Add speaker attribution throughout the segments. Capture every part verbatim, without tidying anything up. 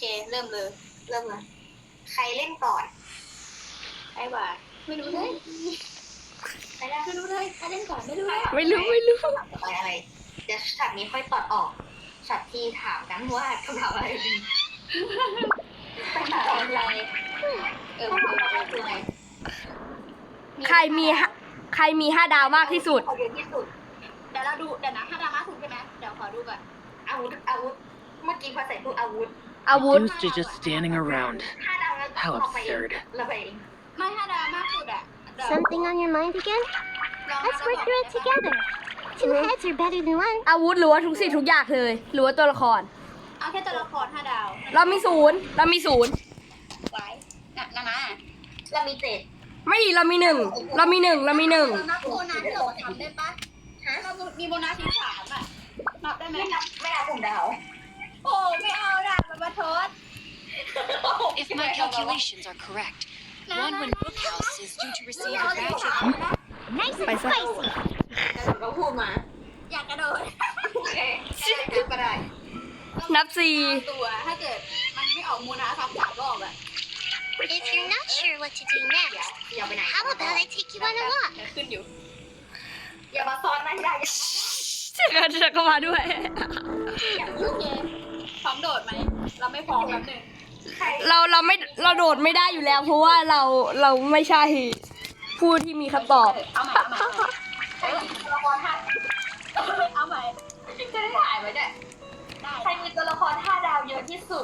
Speaker 1: เคเริ่มเลยเริ่มเลยใครเล่นก่อนใครบ่าไม่รู้เลยใครได้ไม่รู้เลยใครเล่นก่อนไม่รู้เลย
Speaker 2: ไม่รู้ไม่รู้
Speaker 1: คำถามต่อไปอะไรเดี๋ยวช็อตนี้ค่อยตัดออกช็อตที่ถามกันว่าคำถามอะไรดีคำถามอะไรเออคำถามอะไรคืออะไร
Speaker 2: ใครมีห้าใครมีห้าดาวมากที่สุด
Speaker 1: เยอะที่สุดเดี๋ยวเราดูเดี๋ยวนะถ้าดราม่าถูกใช่ไหมเดี๋ยวขอดูก่อนอาวุธอาวุธเมื่อกี้พอใส่พูดอาวุธ
Speaker 2: อาวุธ
Speaker 3: Used to just standing around.
Speaker 1: ถ้าดาวแล้ว
Speaker 3: How
Speaker 1: เราไปเอง
Speaker 3: absurd.
Speaker 1: เราไปเองไม่ถ้าดาวมากสุดอะ
Speaker 4: Something on your mind again?
Speaker 1: ลอง
Speaker 4: Let's work through it together. Two heads are better than one.
Speaker 2: อาวุธหรือว่าทุกสิ่งทุกอย่างเลย หรือว่าตัวละคร
Speaker 1: เอาแค่ตัวละครห้าดาว
Speaker 2: เรามีศูนย์เรามีศูนย์
Speaker 1: ไว้นะนะนะเรามีเจ็ด
Speaker 2: ไม่ดีเรามีหนึ่งเรามีหนึ่งเรามีหนึ่ง
Speaker 1: เรานับโบนัสที่เราทำได้ปะฮะเรามีโบนัสที่สามอะนับได้ไหมไม่นับไม่นับผมดาวโอ้ไม่เอาดาวมาทด
Speaker 5: If my calculations are correct, one when Bookhouse is due to receive a badge of
Speaker 4: Nice
Speaker 2: ไป
Speaker 4: and
Speaker 2: ซะ
Speaker 4: spicy.
Speaker 1: เราพูดมา อยากกระโดดโอเคก็ได้
Speaker 2: นับสี่
Speaker 1: ตัวถ้าเกิดมันไม่ออกมูนาซ้ำสามรอบอะ
Speaker 4: If you're not sure what to do
Speaker 1: อย่า
Speaker 4: next,
Speaker 1: อย่าไปไหน
Speaker 4: how about I take you on a walk?
Speaker 1: ขึ้นอยู่ อย่ามาซ้อนนะอย่าอย่า
Speaker 2: เชื่อกันเชื่อกันมาด้วย
Speaker 1: อย่าโอเคพร้อมโดดไหมเราไม่พร้อมแป๊บนึงใคร
Speaker 2: เราเราไม่เราโดดไม่ได้อยู่แล้ว เพราะว่าเราเราไม่ใช่ผู้ที่มีคำตอบ
Speaker 1: เอาใหม่เอาใหม่เออตัวละครท่าเอาใหม่จะได้ถ่ายไว้เนี่ยใครมีตัวละครห้าดาวเยอะที่สุด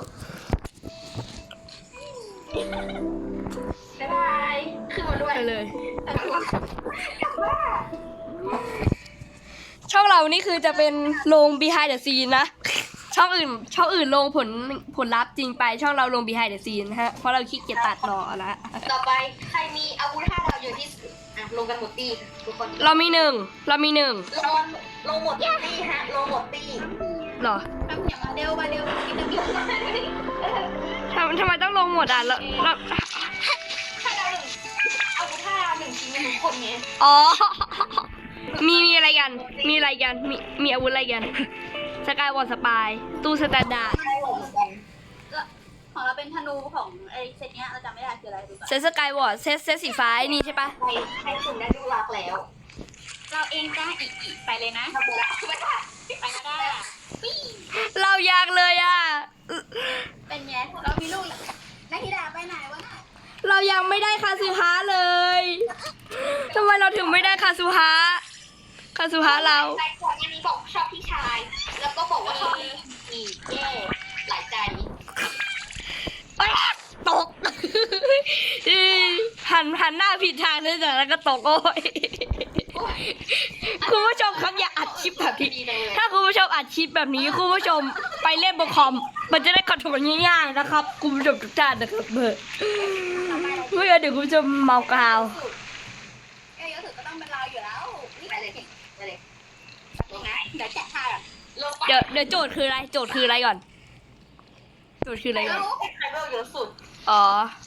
Speaker 1: บ๊ายบายขึ้นมาด้วย
Speaker 2: ไปเลย
Speaker 1: แต่ละคนกลับบ้าน
Speaker 2: ช่องเรานี่คือจะเป็นลง behind the scene นะ ช่องอื่น ช่องอื่นลงผลผลลัพธ์จริงไป ช่องเราลง behind the scene นะฮะ เพราะเราขี้เกียจตัดต่อละ
Speaker 1: ต่อไปใครมีอาวุธห้าดาวเยอะที่สุดอ่ะลงกันหมดตีทุกคน
Speaker 2: เรามีหนึ่ง เรามีหนึ่ง
Speaker 1: ลงลงหมดตีฮะลงหมดตี
Speaker 2: เหรอ
Speaker 1: ทำอย่างมาเร็วมาเร็วกินน้ำมิตร
Speaker 2: ทำทำไมต้องลงหมดอ่ะเราเรา
Speaker 1: ห้าดาวหนึ่งอาวุธห้าดาวหนึ่งทีมทุกคนไง
Speaker 2: อ๋อ มีมีอะไรกัน มีอะไรกัน มีมีอาวุธอะไรกัน สกายวอลสปาย ตู้สแตนดาร์ด
Speaker 1: ใช่เหมือนกันของเราเป็นธนูของไอ้เซตเนี้ยเราจำไม่ได้คืออะไรดูก่อน
Speaker 2: เซตสกายวอลเซตเซตสีฟ้าไอ้นี่ใช่ปะ
Speaker 1: ใครใครสุ่มได้ลูกรักแล้ว เราเองจ้าอีกอีกไปเลยนะไปละไปละไปก็ได้
Speaker 2: เราอยากเลยอ่ะ
Speaker 1: เป็นไงเรามีลูกนักกีฬาไปไหนวะน่ะ
Speaker 2: เรายังไม่ได้คาซูฮะเลย ทำไมเราถึงไม่ได้คาซูฮะ คาซูฮะเรา
Speaker 1: ใจก่อนอันนี้บอกชอบพี่ชาย แล้วก็บอกว่าชอบพี่มีแย่หลายใจ
Speaker 2: เอ้ยตก หันหันหน้าผิดทางเลยจากนั้นก็ตกโอ้ย คุณผู้ชมครับอย่าอัดคลิปแบบนี้ ถ้าคุณผู้ชมอัดคลิปแบบนี้คุณผู้ชมไปเล่นบนคอม มันจะได้คอนโทรลง่ายๆนะครับ คุณผู้ชมทุกท่านนะครับเบอร์ไม่งั้นเดี๋ยวคุณผู้ชมเมากราว
Speaker 1: เอ้ยเยอะสุดก็ต้องเป็นเราอยู่แล้วไปเลยไปเลยลงนะเดี๋ยวแจกท่าอ่ะลงไป
Speaker 2: เดี๋ยวเดี๋ยวโจทย์คืออะไร โจทย์คืออะไรก่อน โจทย์คืออะไรก่อน
Speaker 1: ใครเบลเยอะสุด
Speaker 2: อ๋อ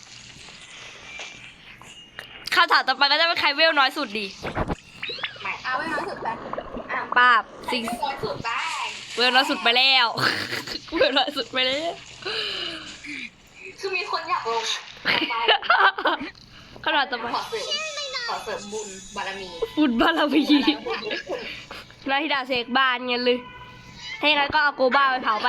Speaker 2: คำถามต่อไปก็จะเป็นใครเวลน้อยสุดดี
Speaker 1: ไม่เอาไม่น้อยสุดไปอ่ะ
Speaker 2: ป้าบ
Speaker 1: ใคร
Speaker 2: สิง
Speaker 1: น้อยสุดได้
Speaker 2: เวลน้อยสุดไปแล้ว เวลน้อยสุดไปแล้ว
Speaker 1: คือมีคนอยากลงอ่ะไป
Speaker 2: คำถามต่อไป
Speaker 1: ขอเสริมขอเสริมบุญบารมี
Speaker 2: ฟุตบาลาวีนาฮิดาเสกบ้านเงี้ยเลยให้งั้นก็เอาโกบ้าไปเผาไป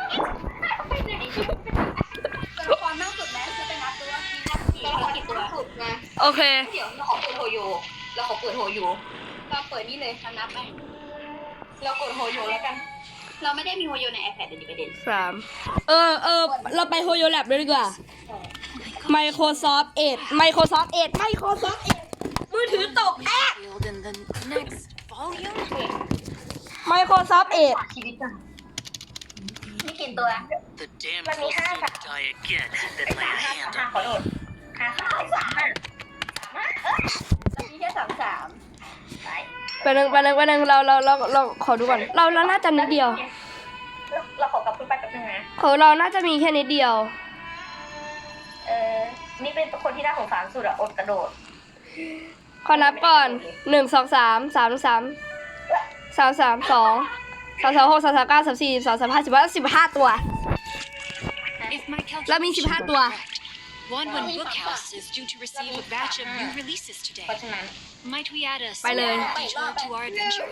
Speaker 1: ตัวละครมากสุดไหมจะเป็นนับตัวมีนับกี่ตัวกี่ตัวสุดนะ
Speaker 2: โอเค
Speaker 1: เดี๋ยวเราขอเปิดโฮโยเราขอเปิดโฮโยเราเปิดนี่เลยเรานับไหมเรากดโฮโยแล้วกัน เราไม่ได้มีโฮโยใน iPad เดี๋ยวนี้ประเด็น
Speaker 2: สาม เออเออเราไปโฮโยแลบเลยดีกว่า Microsoft Edge Microsoft Edge Microsoft Edge มือถือตกแอ๊ะ
Speaker 5: field in the next volume.
Speaker 2: Microsoft Edge
Speaker 1: ชีวิตจังนี่กินตัว
Speaker 3: The damn
Speaker 1: Let me
Speaker 3: fool
Speaker 1: have
Speaker 3: didn't die again, then lay a hand
Speaker 1: ห้า
Speaker 3: on
Speaker 1: ขอโท
Speaker 3: me.
Speaker 1: ษห้าสามสามห้าสามห้าเออตอนนี้แค่สามสามไป
Speaker 2: ไปหนึ่งไปหนึ่งไปหนึ่งเราเราเราเราขอดูก่อน เราเราน่าจะนิดเดียว
Speaker 1: เราขอกลับขึ้นไปแป๊บนึงนะ
Speaker 2: ของเราน่าจะมีแค่นิดเดียว
Speaker 1: เออนี่เป็นคนที่น่าสงสารสุดอะอดกระโดด
Speaker 2: ขอนับก่อนหนึ่งสองสามสามสามสามสามสองสามสามหกสามสามเก้าสามสี่สามสามห้าสิบห้าสิบห้าตัว
Speaker 5: If my
Speaker 2: เรามีสิบห้า
Speaker 5: calculations
Speaker 2: ตัว
Speaker 5: are correct. Wonwin Bookhouse is due to receive a batch of new releases
Speaker 1: เพ
Speaker 5: today.
Speaker 1: ราะฉะนั้น
Speaker 5: Might we add a
Speaker 2: Bye, Lily.
Speaker 5: small detour to our adventure?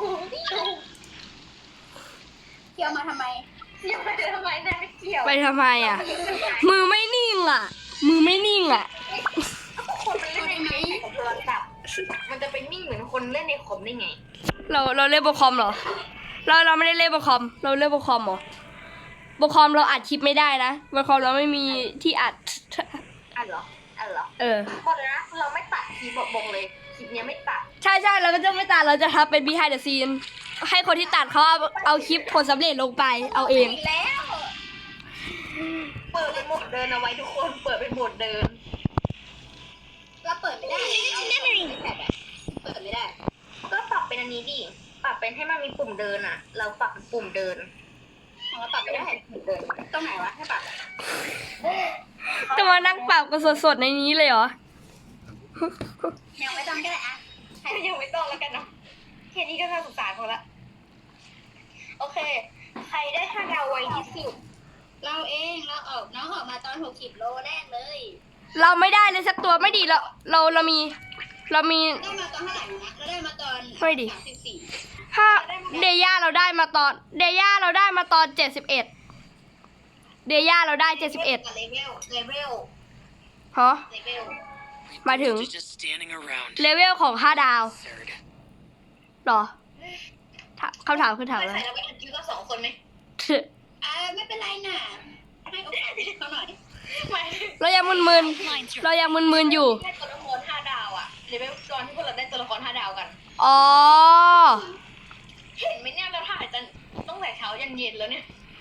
Speaker 4: เที่ยวมาทำไม
Speaker 1: ยังไม่ได้ทำไมนายไม่เกี่ยว
Speaker 2: ไปทำไมอ่ะ มือไม่นิ่งอ่ะ มือไม่นิ่งอ่ะ
Speaker 1: คนมันเล่นในของโทรศัพท์มันจะไปนิ่งเหมือนคนเล่นในคอมได้ไง
Speaker 2: เราเราเล่นโปรคอมเหรอ เราเราไม่ได้เล่นโปรคอม เราเล่นโปรคอมเหรอโปรคอมเราอัดคลิปไม่ได้นะโปรคอมเราไม่มีที่อัด
Speaker 1: อ่ะเหรออ่ะเหรอ
Speaker 2: เออ
Speaker 1: บอกเลยนะเราไม่ตัดคลิปบอกบอกเลยคลิปเนี้ยไม่ตัด
Speaker 2: ใช่ใช่เราก็จะไม่ตัดเราจะทำเป็น behind the scene ให้คนที่ตัดเขาเอาเอาคลิปผลสำเร็จลงไปเอาเอง
Speaker 1: อีกแล้ว เปิดเป็นโหมดเดินเอาไว้ทุกคนเปิดเป็นโหมดเดิน
Speaker 4: เราเปิดไม่ได้เราเปิดไม่ได้เปิดไม่ได้
Speaker 1: ก็ปรับเป็นอันนี้ดิปรับเป็นให้มันมีปุ่มเดินอ่ะ เราปรับเป็นปุ่มเดิน
Speaker 4: ของเราปรับไม่ได้
Speaker 1: ปุ่มเดิน
Speaker 4: ตรงไหนวะให้ปรับ
Speaker 2: จะมานั่งปรับกันสดๆในนี้เลยเหรอ
Speaker 4: ยังไม่ต้องก็ได้อะ
Speaker 1: ยังไม่ต้องแล้วกันเนาะแค่นี้ก็น่าสงสารเขาละโอเค ใครได้ห้าดาวไวที่สุด
Speaker 4: เราเองเราออกน้องออกมาตอนหกสิบโลแรกเลย
Speaker 2: เราไม่ได้เลยสักตัวไม่ดีเราเราเรามี เรามี
Speaker 4: ได้มาตอนเท่าไหร่นะเราได้มาตอน
Speaker 2: ไม่ดิ
Speaker 4: สามสิบสี่
Speaker 2: ถ้าเดย่าเราได้มาตอน เดย่าเราได้มาตอนเจ็ดสิบเอ็ดเดย่าเราได้เจ็ดสิบเอ็ด
Speaker 1: เลเวลเลเวล
Speaker 2: ฮะ
Speaker 1: เลเวล
Speaker 2: หมายถึง
Speaker 3: Just standing around.
Speaker 2: เลเวลของห้าดาว
Speaker 3: Third.
Speaker 2: เหรอถามคำถามคือถาม
Speaker 1: ไม่
Speaker 2: อะไร
Speaker 1: ใส่เราไปถึงคิวก็สองคนไหม
Speaker 4: อ่าไม่เป็นไรน่ะให้โอกาสเขาหน่อย
Speaker 1: ไม่
Speaker 2: เรายังมึน
Speaker 5: Lines
Speaker 2: ๆ เรายังมึนๆอยู่
Speaker 1: ได้ตัวละครห้าดาวอะเลเวลตอนที่พวกเราได้ตัวละครห้าดาวกัน
Speaker 2: อ๋อ
Speaker 1: เห็นไหมเนี่ยเราถ่ายจนตั้งแต่เช้ายันเย็นแล้วเนี่ย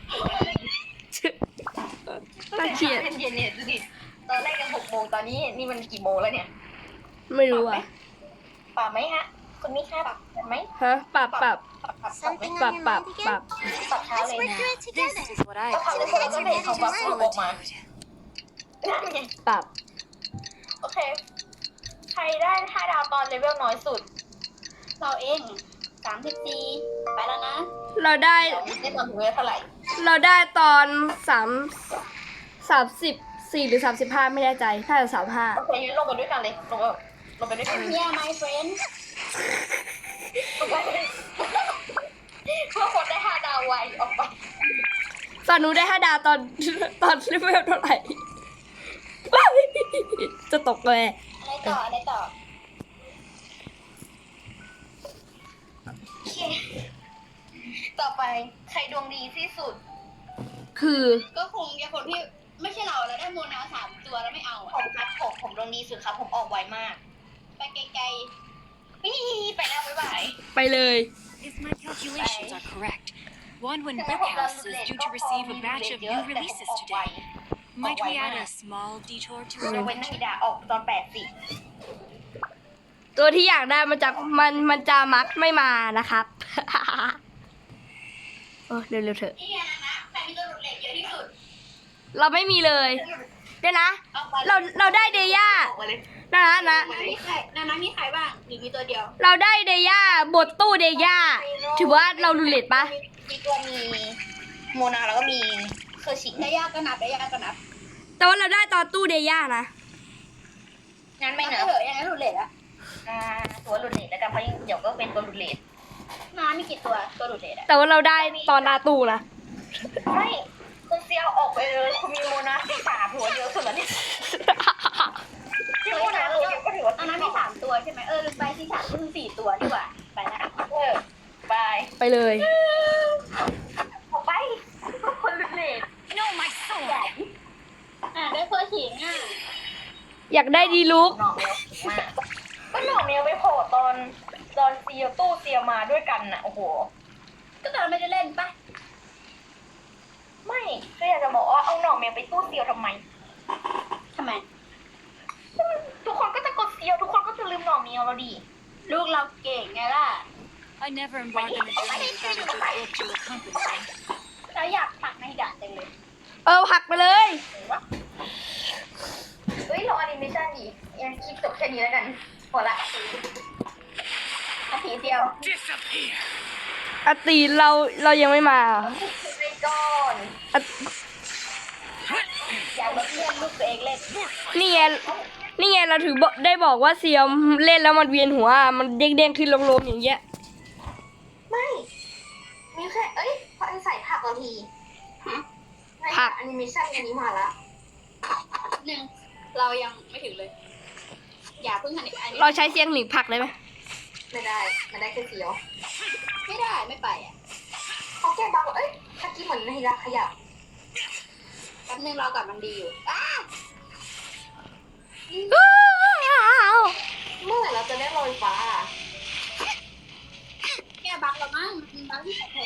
Speaker 2: น่าเกลียด
Speaker 1: เย็นเย็นๆเนี่ยดูดิตอนแรกกันหกโมงตอนนี้นี่มันกี่โมงแล้วเนี่ย
Speaker 2: ไม่รู้อ่ะ
Speaker 1: ปรับไหมฮะคุณมิค่าปรับไหม
Speaker 2: ฮะ ปรับปรับ
Speaker 1: ปรับปรับปรับ
Speaker 4: Something
Speaker 2: ปรับ
Speaker 4: on your
Speaker 2: ปรับ
Speaker 4: mind
Speaker 2: ปรับ
Speaker 4: again?
Speaker 1: ปรับเช้า
Speaker 4: Let's
Speaker 1: เลย
Speaker 4: work
Speaker 1: นะ
Speaker 4: through it
Speaker 5: This
Speaker 4: together.
Speaker 5: is what I
Speaker 1: ก็ทำได้แค่ก็เห็นเขาปรับออกมา
Speaker 5: solitude.
Speaker 2: ปรับ
Speaker 1: โอเค ใครได้ห้าดาวตอนเลเวลน้อยสุด
Speaker 4: เราเองสามสิบสี่ไปแล้วนะ
Speaker 2: เราได้
Speaker 1: เดี๋ยวได้ตอนถึงเลเวลเท่าไหร่
Speaker 2: เราได้ตอนสามสามสิบสี่หรือสามสิบห้าไม่แน่ใจน่าจะสามห้า
Speaker 1: โอเคงั้นลงไปด้วยกันเลย ลงไปลงไปด้วยกัน
Speaker 4: Yeah my friend
Speaker 1: ลงไปเลยเพื่อคนได้ห้าดาวไวออกไป
Speaker 2: ตอนหนูได้ห้าดาวตอนตอนเลเวลเท่าไหร่ จะตกเลย
Speaker 4: อะไรต่ออะไรต่อ
Speaker 1: โอเค ต่อไปใครดวงดีที่สุด
Speaker 2: คือ
Speaker 4: ก็คงจะคนที่ไม่ใช่เราแล้วได้โมนาสามตัวแล้วไม่เอา
Speaker 1: ผ
Speaker 4: อ่ะ
Speaker 1: มครับผมผมดวงดีสุดครับ ผมออกไวมาก
Speaker 4: ไปไกล
Speaker 1: นี่ไปแล้วบ๊ายบาย
Speaker 2: ไปเลย
Speaker 5: If my calculations are correct, Wonwin Bookhouse is due to receive a batch of new releases today. Might we add a small detour to
Speaker 1: ย
Speaker 5: our
Speaker 1: กเว้นนา
Speaker 5: adventure?
Speaker 1: ฬิดาออกตอนแปดสิ
Speaker 2: ตัวที่อยากได้มันจะมันมันจะมักไม่มานะครับ โอ้เร็วๆเถอะ
Speaker 4: ๆนี่ไงนะใครมีตัวหลุดเหล็กเยอะที่สุด
Speaker 2: เราไม่มีเลยเดี๋ยวนะ เราเราได้เดย่า
Speaker 1: ออกมาเลย
Speaker 2: นะนะ
Speaker 4: นะมีใครนะนะมีใครบ้างหรือมีตัวเดียว
Speaker 2: เราได้เดย่าบทตู้เดย่าถือว่าเรารุเลตปะ
Speaker 1: มีตัวมีโมนาแล้วก็มีเคอร์ชิ
Speaker 4: ได้ยากก็นับได้ยากก็นับ
Speaker 2: แต่ว่าเราได้ตอนตู้เดย่านะ
Speaker 1: งั้นไม่
Speaker 4: ไม่
Speaker 1: นะ
Speaker 4: เหอะยังไงหลุดเหล็กอะ
Speaker 1: อ่าตัวหลุดเลทแล้วกันเพราะเดี๋ยวก็เป็นตัวหลุดเลท
Speaker 4: น้ามีกี่ตัวตัวหลุดเหล็กอะ
Speaker 2: แต่ว่าเราได้ตอนหนาตู้นะ
Speaker 1: ไม่คุณเซียวออกไปเลยคุณมีโมนาสี่สามหัวเดียวสุดแล้วเนี่ยที่โมนาหัวเดียวก็ถือว่า
Speaker 4: อันนั้นมีสามตัวใช่ไหมเออลืมไปที่สามก็คือสี่ตัวดีกว่าไปละ
Speaker 1: เออไป
Speaker 2: ไปเลย
Speaker 1: ออกไปคนหลุดเลท
Speaker 5: No, my soul!
Speaker 4: อ่ะได้เพื่อขิงอ่ะ
Speaker 2: อยากได้ดีลุก
Speaker 1: หน่อเมลมากก็หน่อเมลไปโผล่ตอนตอนเซียวตู้เซียวมาด้วยกันน่ะโอ้โห
Speaker 4: ก็ตอนไม่ได้เล่นปะ
Speaker 1: ไม่ก็อยากจะบอกว่าเอาหน่อเมลไปตู้เซียวทำไม
Speaker 4: ทำไม
Speaker 1: ทุกคนก็จะกดเซียวทุกคนก็จะลืมหน่อเมลเราดิ
Speaker 4: ลูกเราเก่งไงล่ะ
Speaker 5: I never embarked on a journey without a good book to accompany me.
Speaker 4: เราอยากผลักในดาจังเลย
Speaker 2: เออหักไปเลย
Speaker 1: เฮ้ยเราแอนิเมชั่นอีกยังคลิปจบแค่นี้แล้วกันพอละ
Speaker 4: นาทีเดียว
Speaker 3: Disappear.
Speaker 2: อาตีเราเรายังไม่มา
Speaker 1: ไปก่อน
Speaker 2: อะ
Speaker 4: ลูกตัวเองเล่น
Speaker 2: นี่ไงนี่ไงเราถือบอกได้บอกว่าเซียมเล่นแล้วมันเวียนหัวมันเด้งๆขึ้นลงๆอย่างเงี้ย
Speaker 1: ไม่มีแค่เอ้ยพอใส่ผักบางที
Speaker 2: ผัก
Speaker 1: แอนิเมชั่นอันนี้มาละ
Speaker 4: หนึ่งเรายังไม่ถึงเลย อย่าเพิ่งหันอันนี้
Speaker 2: เราใช้เสียงหนีบผักได้ไหม
Speaker 1: ไม่ได้ไม่ได้แค่เสียว
Speaker 4: ไม่ได้ไม่ไปอ่ะ
Speaker 1: เขาแก้บังเอ้ยเมื่อกี้เหมือนในรักขยับ
Speaker 4: แป๊บนึงเราก่อนมันดีอยู่อ้า
Speaker 1: เมื่อไหร่เราจะได้ลอยฟ้า
Speaker 4: แก้บั๊กเรามั้งมันบั๊กที่แท้